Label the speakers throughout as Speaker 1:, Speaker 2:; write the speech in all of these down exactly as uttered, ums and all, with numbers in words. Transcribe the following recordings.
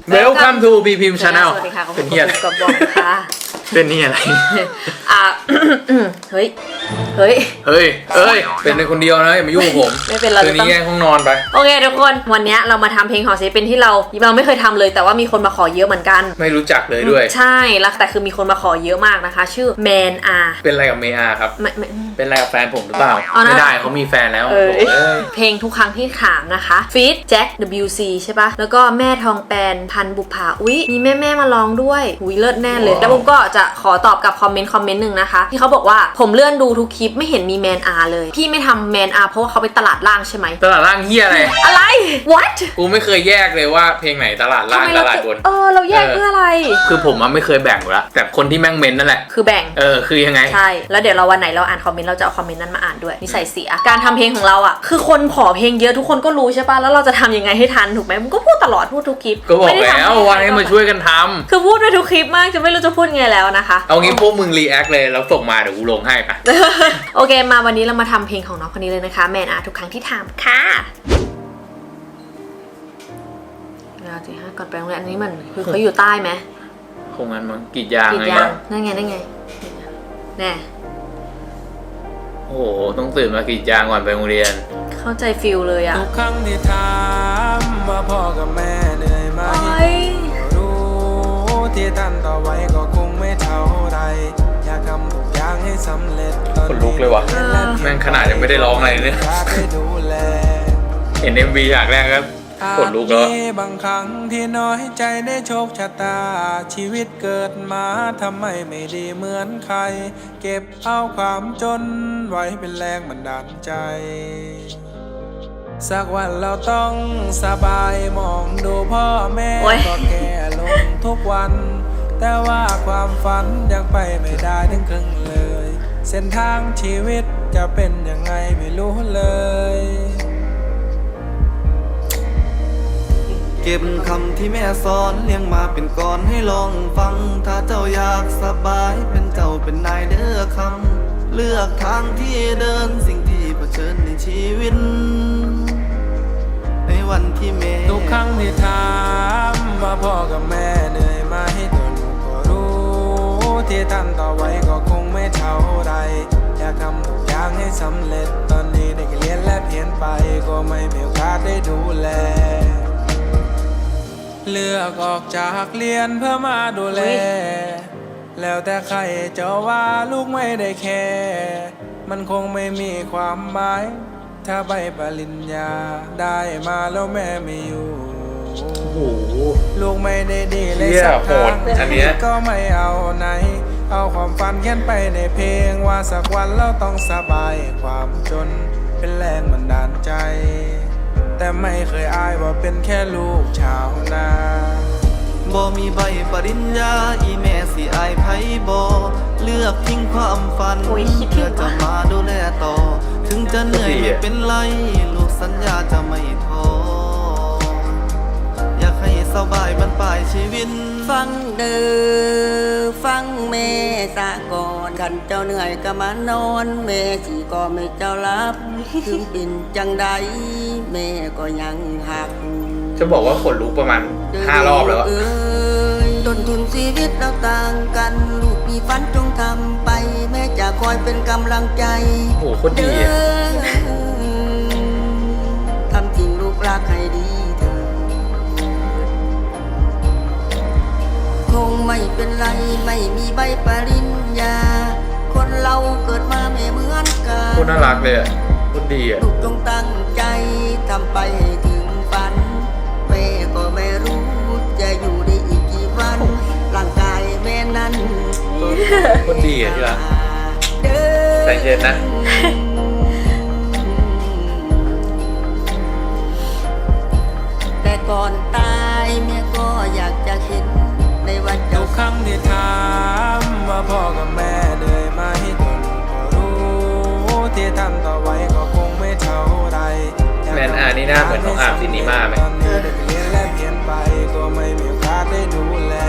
Speaker 1: Welcome to บี พิมพ์ Channel
Speaker 2: สวัสดีค่ะ
Speaker 1: เป็นเฮียอะไร
Speaker 2: กระบอกค่ะ
Speaker 1: เป็นนี่อะไร
Speaker 2: อ่ะ เฮ้ย เฮ้ย
Speaker 1: เฮ้ยเอ้ย เป็นในคนเดียวนะอย่ามายุ่งกับผม
Speaker 2: ไม่เป็นไร
Speaker 1: คืนนี้แยกห้องนอนไป
Speaker 2: โอเคทุกคนวันนี้เรามาทำเพลงหอศิลปินที่เราเราไม่เคยทำเลยแต่ว่ามีคนมาขอเยอะเหมือนกัน
Speaker 1: ไม่รู้จักเลยด้วย
Speaker 2: ใช่แล้วแต่คือมีคนมาขอเยอะมากนะคะ ชื่อแมนอา
Speaker 1: เป็นอะไรกับเมอาครับ
Speaker 2: ไม่ไม่
Speaker 1: เป็นอะไรกับแฟนผมหรือเปล่า
Speaker 2: เอานะ
Speaker 1: ไม่ได้เขามีแฟนแล้ว
Speaker 2: เออ
Speaker 1: โถ่เอ้ย
Speaker 2: เพลงทุกครั้งที่ถามนะคะฟีดแจ็ค ดับเบิลยู ซี ใช่ปะแล้วก็แม่ทองแปนพันบุภาอุ๊ยมีแม่แม่มาร้องด้วยอุ๊ยเลิศแน่เลยแล้วผมก็จะขอตอบกับคอมเมนต์คอมเมนต์หนึ่งนะคะที่เขาบอกว่าผมเลื่อนดูทุกคลิปไม่เห็นมีแมนอาเลยพี่ไม่ทำแมนอาเพราะว่าเขาไปตลาดล่างใช่ไหม
Speaker 1: ตลาดล่างเฮียอะไร
Speaker 2: อะไร what
Speaker 1: กูไม่เคยแยกเลยว่าเพลงไหนตลาดล่างตลาดบน
Speaker 2: เออเราแยกเพื่ออะไร
Speaker 1: คือผมมันไม่เคยแบ่งอยู่แล้วแต่คนที่แม่งเมนนั่นแหละ
Speaker 2: คือแบ่ง
Speaker 1: เออคือยังไง
Speaker 2: ใช่แล้วเดี๋ยวเราวันไหนเราอ่านคอมเมนต์เราจะเอาคอมเมนต์นั้นมาอ่านด้วยนิสัยเสียการทำเพลงของเราอ่ะคือคนขอเพลงเยอะทุกคนก็รู้ใช่ป่ะแล้วเราจะทำยังไงให้ทันถูกไหมมึงก็พูดตลอดพูดทุกคลิป
Speaker 1: ก็บอก
Speaker 2: ไม่ได้ทำ
Speaker 1: แล้วว่าให้มาช่วยกันทำ
Speaker 2: คือพูดไปทุกคลิปมากจะไม่รู้จะพูดไงแล้วนะคะ
Speaker 1: เอางี้พวกมึงรีแอคเลยแล้วส่งมาเดี๋ยวกูลงให้ปะ
Speaker 2: โอเคมาวันนี้เรามาทำเพลงของน้องคนนี้เลยนะคะแมนอาทุกครั้งที่ถามค่ะเราจีห้าก่อนไปโรงเรียนอันนี้มันคือเขาอยู่ใต้ไหม
Speaker 1: คงงั้นมั้งกรีดยาง
Speaker 2: กรี
Speaker 1: อะ
Speaker 2: ด
Speaker 1: ไร
Speaker 2: ยาง
Speaker 1: เงี้ย
Speaker 2: นั่นไงนั่นไงแน่
Speaker 1: โอ้โหต้องตื่นมากรีดยางก่อนไปโรงเรียน
Speaker 2: เข้าใจฟิลเลยอ่ะ
Speaker 3: ทุกครั้งที่ถามว่าพ่อกับแม่เหนื่อยไหม
Speaker 2: โอ้ย
Speaker 3: รู้ที่ท่านต่อไว้ก็คงไม่เท่าไรอยากทำทุกอย่างให้สำเร็จตอน
Speaker 1: ขนลุกเลยว่ะ แม่งขนาดยังไม่ได้ร้องอะไรเลย
Speaker 3: อยากให้ดูแล
Speaker 1: เห็น เอ็ม วี ฉากแรกก็ขนลุกแล้ว
Speaker 3: อาจมีบางครั้งที่น้อยใจได้โชคชะตาชีวิตเกิดมาทำไมไม่ดีเหมือนใคร เก็บเอาความจนไว้เป็นแรงบันดาลใจ สักวันเราต้องสบายมองดูพ่อแม่
Speaker 2: โอ๊ย
Speaker 3: ก็แก่ลงทุกวัน แต่ว่าความฝันยังไปไม่ได้ถึงครึ่งเลย เส้นทางชีวิตจะเป็นยังไงไม่รู้เลย
Speaker 4: เก็บคำที่แม่สอนเลี้ยงมาเป็นก่อนให้ลองฟัง ถ้าเจ้าอยากสบายเป็นเจ้าเป็นนายเด้อคำเลือกทางที่เดินสิ่งที่เผชิญในชีวิต ในวันที่แม่
Speaker 3: ทุกครั้งที่ถามว่าพ่อกับแม่เหนื่อยไหมตัวลูกก็รู้ที่ท่านต่อไว้ก็คงไม่เท่าไรอยากทำทุกอย่างให้สำเร็จตอนนี้ได้แค่เรียนและเพียนไปก็ไม่มีโอกาสได้ดูแลเลือกออกจากเรียนเพื่อมาดูแล แล้วแต่ใครจะว่าลูกไม่ได้แคร์มันคงไม่มีความหมายถ้าใบปริญญาได้มาแล้วแม่ไม่อยู่
Speaker 1: โอ้โห
Speaker 3: ลูกไม่ได้ดีเลย
Speaker 1: เหี้ย
Speaker 3: สัก
Speaker 1: โห
Speaker 3: ทา
Speaker 1: ด
Speaker 3: ง
Speaker 1: อันเนี้ย
Speaker 3: ก็ไม่เอาไหน เอาความฝันเขียนไปในเพลงว่าสักวันเราต้องสบายความจนเป็นแรงบันดาลใจ แต่ไม่เคยอายว่าเป็นแค่ลูกชาวนา
Speaker 4: บ่มีใบปริญญาอีแม่สิอายไผบ่เลือกทิ้งความฝัน
Speaker 2: โอ้ยคิดถึ
Speaker 4: เพื่อง จะ
Speaker 2: ว่ะ
Speaker 4: มาดูแลต่อ ถึงจะเหนื่อยไม่เป็นไรลูกสัญญาจะไม่ท้ออยากให้สบายบรรปลายชีวิต
Speaker 5: ฟังเด้อฟังแม่สะก่อนขันเจ้าเหนื่อยก็มานอนแม่สิก็ไม่เจ้ารับถึงเป็นจังใดแม่ก็ยังหัก
Speaker 1: จะบอกว่าขนลุกประมาณห้ารอบแล้วอะ
Speaker 5: เอ้ยต้นทุนชีวิตเราต่างกัน ลูกมีฝันจงทำไป แม่จะคอยเป็นกำลังใจ
Speaker 1: โอ้โหโคตรดีอะ
Speaker 5: ทำจริงลูกรักให้ดีเถอะคงไม่เป็นไรไม่มีใบปริญญา คนเราเกิดมาไม่เหมือนกัน
Speaker 1: โคตรน่ารักเลยอะโคตรดีอะ
Speaker 5: ลูกจงตั้งใจทำไปให้ถึงฝันแม่ก็ไม่รู้จะอยู่ได้อีกกี่วันร่างกายแม่นั้นก็
Speaker 1: โคตรดีอะที่รัก
Speaker 5: เดิน
Speaker 1: ใจเย็นนะ
Speaker 5: แต่ก่อนตายแม่ก็อยากจะเห็นในวัน
Speaker 3: ทุ
Speaker 5: เจ้าก
Speaker 3: ครั้งที่ถามว่าพ่อกับแม่เหนื่อยไหมตัวลูกก็รู้ที่ท่านต่อไว้ก็คงไม่เท่าไร
Speaker 1: แมนอานี่หน้าเหมือนน้องอาร์มซินิม่าไหม
Speaker 3: ตอนนี้ได้เรียนและเพียนไปก็ไม่มีโอกาสได้ดูแล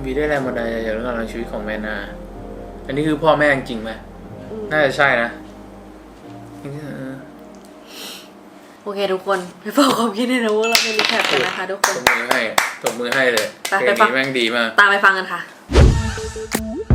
Speaker 1: มีได้แรงบันดาลใจจากเรื่องราวชีวิตของแม่นาอันนี้คือพ่อแม่จริงไหมน่าจะใช่นะ
Speaker 2: โอเคทุกคนไปบอกความคิดเห็นในวงเราในรีแคปกันนะคะทุกคน
Speaker 1: ตบมือให้ตบมือให้เลย
Speaker 2: ไป
Speaker 1: เพล
Speaker 2: ไป
Speaker 1: ง
Speaker 2: ฟัง
Speaker 1: นี้แม่งดีมาก
Speaker 2: ตามไปฟังกันค่ะ